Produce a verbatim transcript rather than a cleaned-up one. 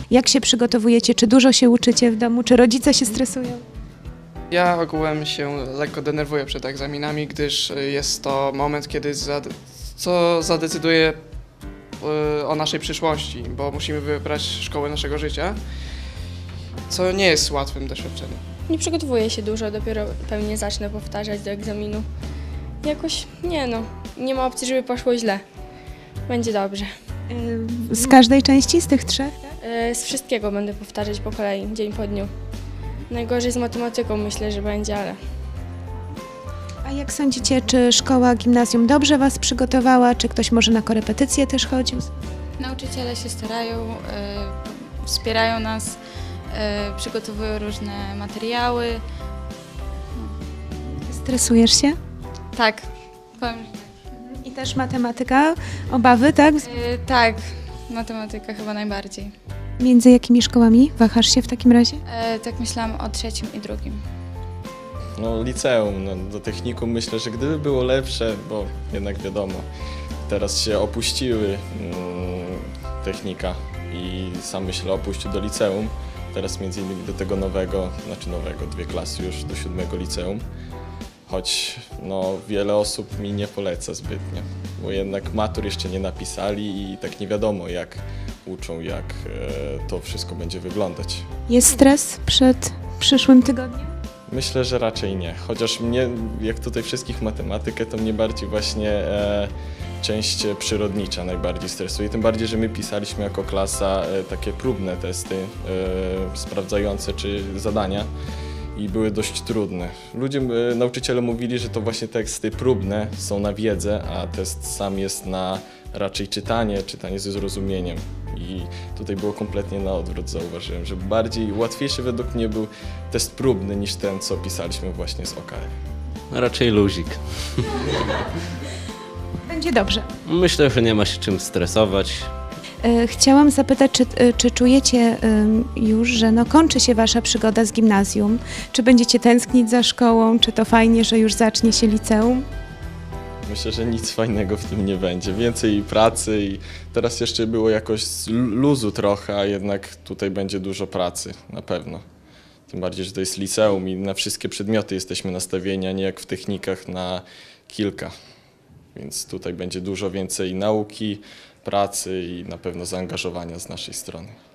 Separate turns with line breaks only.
Jak się przygotowujecie? Czy dużo się uczycie w domu? Czy rodzice się stresują?
Ja ogółem się lekko denerwuję przed egzaminami, gdyż jest to moment, kiedy zade co zadecyduje y, o naszej przyszłości, bo musimy wybrać szkołę naszego życia, co nie jest łatwym doświadczeniem.
Nie przygotowuję się dużo, dopiero pewnie zacznę powtarzać do egzaminu. Jakoś nie no, nie ma opcji, żeby poszło źle. Będzie dobrze.
Y, Z każdej części, z tych trzech?
Yy, Z wszystkiego będę powtarzać po kolei, dzień po dniu. Najgorzej z matematyką myślę, że będzie, ale
A jak sądzicie, czy szkoła, gimnazjum dobrze was przygotowała? Czy ktoś może na korepetycje też chodził?
Nauczyciele się starają, y, wspierają nas, y, przygotowują różne materiały.
Stresujesz się?
Tak, powiem,
I też matematyka? Obawy, tak?
y, tak, matematyka chyba najbardziej.
Między jakimi szkołami wahasz się w takim razie?
Y, tak myślałam o trzecim i drugim.
No liceum, no, do technikum myślę, że gdyby było lepsze, bo jednak wiadomo, teraz się opuściły mm, technika i sam myślę opuścił do liceum, teraz między innymi do tego nowego, znaczy nowego, dwie klasy już do siódmego liceum, choć no, wiele osób mi nie poleca zbytnio, bo jednak matur jeszcze nie napisali i tak nie wiadomo jak uczą, jak e, to wszystko będzie wyglądać.
Jest stres przed przyszłym tygodniem?
Myślę, że raczej nie. Chociaż mnie, jak tutaj wszystkich matematykę, to mnie bardziej właśnie e, część przyrodnicza najbardziej stresuje. Tym bardziej, że my pisaliśmy jako klasa e, takie próbne testy e, sprawdzające czy zadania i były dość trudne. Ludzie, e, nauczyciele mówili, że to właśnie teksty próbne są na wiedzę, a test sam jest na raczej czytanie, czytanie ze zrozumieniem. I tutaj było kompletnie na odwrót, zauważyłem, że bardziej łatwiejszy według mnie był test próbny niż ten, co pisaliśmy właśnie z O K F.
Raczej luzik.
Będzie dobrze.
Myślę, że nie ma się czym stresować.
E, Chciałam zapytać, czy, e, czy czujecie ym, już, że no kończy się wasza przygoda z gimnazjum? Czy będziecie tęsknić za szkołą? Czy to fajnie, że już zacznie się liceum?
Myślę, że nic fajnego w tym nie będzie. Więcej pracy i teraz jeszcze było jakoś z luzu trochę, a jednak tutaj będzie dużo pracy, na pewno. Tym bardziej, że to jest liceum i na wszystkie przedmioty jesteśmy nastawieni, a nie jak w technikach na kilka. Więc tutaj będzie dużo więcej nauki, pracy i na pewno zaangażowania z naszej strony.